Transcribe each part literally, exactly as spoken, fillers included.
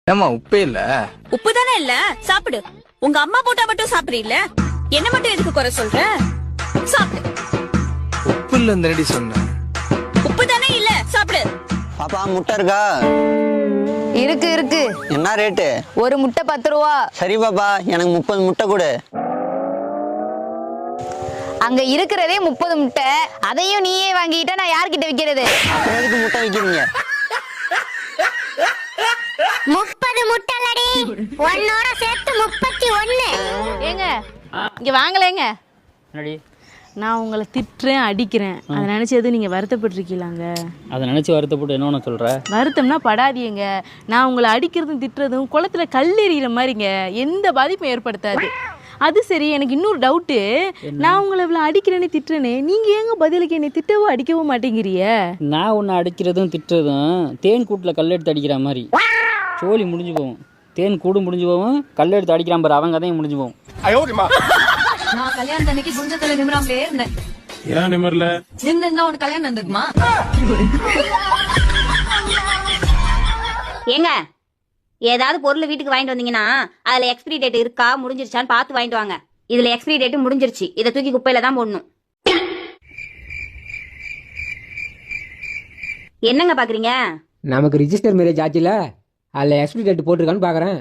ஏமா உப்பே இல்ல? உப்பு தானே இல்ல, சாப்பிடு. உங்க அம்மா போட்டா மட்டும் சாப்பிடுறீல்ல, என்ன மட்டும் எதுக்கு குறை சொல்ற? சாப்பிடு. உப்பு இல்ல இந்த சொன்ன. உப்பு தானே இல்ல, சாப்பிடு. பாப்பா முட்டை இருக்கா? இருக்கு இருக்கு. என்ன ரேட்டு? ஒரு முட்டை பத்து ரூபா. சரி பாப்பா, எனக்கு முப்பது முட்டை கொடு. அங்க இருக்கிறதே முப்பது முட்டை, அதையும் நீயே வாங்கிட்டா நான் யார்கிட்ட விக்கிறது? அப்புறம் எதுக்கு முட்டை விக்கிறீங்க? முப்பது முட்டலடி, ஒன்னோட சேர்த்து முப்பத்தி ஒன்னு. ஏங்க இங்க வாங்கலேங்க. நான் உங்களை திட்டுறேன் அடிக்கிறேன், அதை நினைச்சு எதுவும் நீங்க வருத்தப்பட்டிருக்கீங்களாங்க? அதை நினைச்சு வருத்தப்பட்டு என்ன ஒன்று சொல்ற? வருத்தம்னா படாதீங்க. நான் உங்களை அடிக்கிறதும் திட்டுறதும் குளத்துல கல் எறிகிற மாதிரிங்க, எந்த பாதிப்பும் ஏற்படுத்தாது. அது சரி, எனக்கு இன்னொரு டவுட்டு. நான் உங்களை இவ்வளோ அடிக்கிறேனே திட்டுறேனே, நீங்க ஏங்க பதிலுக்கு என்னை திட்டவோ அடிக்கவோ மாட்டேங்கிறிய? நான் உன்னை அடிக்கிறதும் திட்டுறதும் தேன் கூட்டில் கல் எடுத்து அடிக்கிற மாதிரி. சோழி முடிஞ்சு போகும். தேன் கூடு முடிஞ்சு போகும், கல் எடுத்து அடிக்கிறான் பாரு, அவங்க கதையும் முடிஞ்சு போகும். நான் கல்யாணம் அன்னைக்கு குஞ்சத்துல நிமிராமலே இருந்தேன். ஏன் நிமிரல? நின்னா உனக்கு கல்யாணம் நடந்துக்குமா? ஏங்க, ஏதாவது பொருள் வீட்டுக்கு வாங்கிட்டு வந்தீங்கன்னா அதுல எக்ஸ்பிரி டேட் இருக்கா முடிஞ்சிருச்சான்னு பார்த்து வாங்கிட்டு வாங்க. இதுல எக்ஸ்பிரி டேட் முடிஞ்சிருச்சு, இதை தூக்கி குப்பையில தான் போடணும். என்னங்க பாக்குறீங்க? நமக்கு ரிஜிஸ்டர் மேரேஜ் ஆச்சுல, அதுல எக்ஸ்பிரி டேட் போட்டிருக்கான்னு பாக்குறேன்.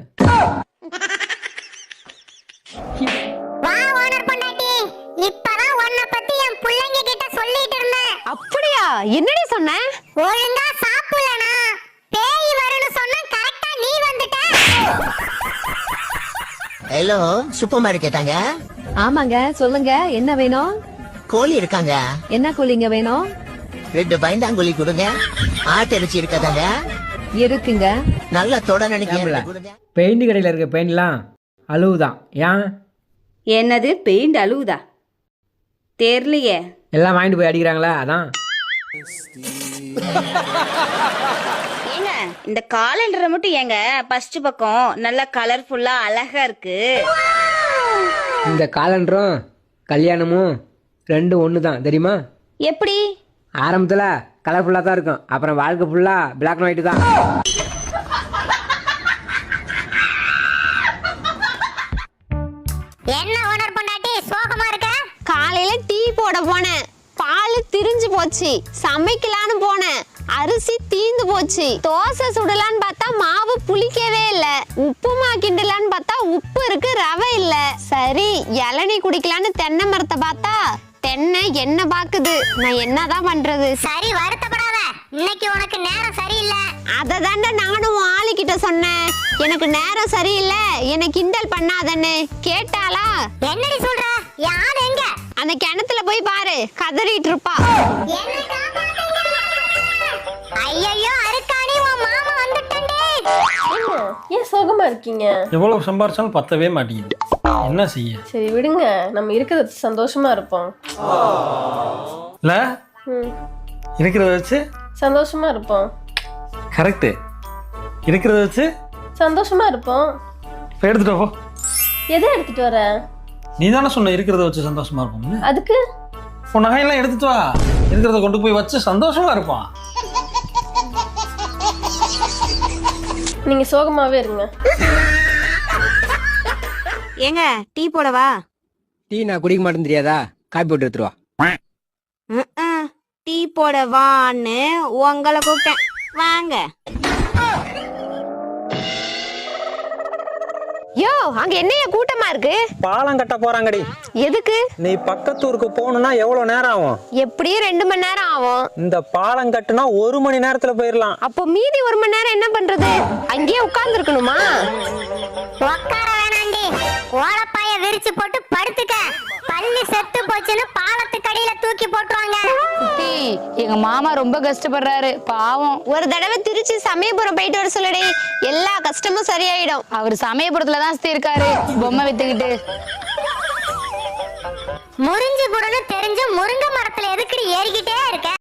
வா ஓனர் பொண்டாட்டி, இப்பதான் உன்னை பத்தி என் பிள்ளைங்க கிட்ட சொல்லிட்டு இருந்தேன். அப்படியா? என்னடி சொன்ன? ஒழுங்கா சாப்பிடலனா பேய் வரும்னு சொன்னா கரெக்டா நீ வந்துட்ட. ஹலோ, சூப்பர் மார்க்கெட்டாங்க? ஆமாங்க, சொல்லுங்க என்ன வேணும்? கோழி இருக்காங்க? என்ன கோழிங்க வேணும்? ரெண்டு பயந்தாங்கோழி கொடுங்க. ஆட்டிறைச்சி இருக்காதாங்க? இருக்குங்க. நல்லா தொட நினைக்கிறேன். பெயிண்ட் கடையில் இருக்க பெயிண்ட்லாம் அழுவுதான். ஏன்? என்னது பெயிண்ட் அழுவுதா? தெரியலையே. எல்லாம் வாங்கிட்டு போய் அடிக்கிறாங்களா, அதான். ஏங்க, இந்த காலண்டரை மட்டும் ஏங்க ஃபர்ஸ்ட் பக்கம் நல்லா கலர்ஃபுல்லா அழகா இருக்கு. இந்த காலண்டரும் கல்யாணமும் ரெண்டும் ஒன்று தான், தெரியுமா? எப்படி? ஆரம்பத்தில் கலர்ஃபுல்லாக தான் இருக்கும், அப்புறம் வாழ்க்கை ஃபுல்லாக பிளாக் அண்ட் ஒயிட் தான். என்ன ஓனர் பொண்டாட்டி சோகமா இருக்க? காலையில டீ போட போனேன், பால் திரிஞ்சு போச்சு. சமைக்கலான்னு போனேன், அரிசி தீந்து போச்சு. தோசை சுடலான்னு பார்த்தா மாவு புளிக்கவே இல்ல. உப்புமா கிண்டலான்னு பார்த்தா உப்பு இருக்கு, ரவை இல்ல. சரி, இளநீ குடிக்கலான்னு தென்னை மரத்தை பார்த்தா தென்னை என்ன பாக்குது. நான் என்னதான் பண்றது? சரி, வருத்தப்படாத, இன்னைக்கு உனக்கு நேரம் சரியில்லை. அதை தாண்ட நானும் ஆளுகிட்ட சொன்னேன், எனக்கு நேரம் சரியில்லை, என்னை கிண்டல் பண்ணாதன்னு. கேட்டாளா? என்னடி சொல்ற? யார் எங்க? அந்த கிணத்துல போய் பாரு, கதறிட்டு இருப்பா. ஐயோ, அருக்காணி, உன் மாமா வந்துட்டே. ஏன் சோகமா இருக்கீங்க? எவ்வளவு சம்பாரிச்சாலும் பத்தவே மாட்டேங்குது, என்ன செய்ய? சரி விடுங்க, நம்ம இருக்கிறத சந்தோஷமா இருப்போம். இல்ல இருக்கிறத வச்சு சந்தோஷமா இருப்போம். கரெக்ட், இருக்கிறத வச்சு சந்தோஷமா இருப்போம். இப்போ எடுத்துட்டு போ. எதை எடுத்துட்டு வர? நீ தானே சொன்ன இருக்கிறத வச்சு சந்தோஷமா இருப்போம்னு. அதுக்கு உன் நகையெல்லாம் எடுத்துட்டு வா, இருக்கிறத கொண்டு போய் வச்சு சந்தோஷமா இருப்பான். நீங்க சோகமாவே இருங்க. ஏங்க, டீ போடவா? டீ நான் குடிக்க மாட்டேன்னு தெரியாதா? காப்பி போட்டு எடுத்துருவா. டீ போடவான்னு உங்களை கூப்பிட்டேன், வாங்க. யோ, அங்க என்னைய கூட்டமா இருக்கு? பாலம் கட்ட போறாங்கடி. எதுக்கு? நீ பக்கத்தூருக்கு போகணும்னா எவ்வளவு நேரம் ஆகும்? எப்படியும் ரெண்டு மணி நேரம் ஆகும். இந்த பாலம் கட்டுனா ஒரு மணி நேரத்துல போயிடலாம். அப்போ மீதி ஒரு மணி நேரம் என்ன பண்றது? அங்கேயே உட்கார்ந்து இருக்கணுமா? உட்கார வேணாண்டி, ஓலப்பாய விரிச்சு போட்டு படுத்துக்க. பள்ளி செத்து போச்சுன்னு பாலத்துக்கு அடியில தூக்கி போட்டுருவாங்க. எங்க மாமா ரொம்ப கஷ்டப்படுறாரு, பாவம். ஒரு தடவை திருச்சி சமயபுரம் போயிட்டு வர சொல்லடி, எல்லா கஷ்டமும் சரியாயிடும். அவர் சமயபுரத்துல தான் இருக்காரு, பொம்மை வித்துக்கிட்டு. முறிஞ்சு புடன்னு தெரிஞ்சு முருங்கை மரத்துல எதுக்குடி ஏறிக்கிட்டே இருக்க?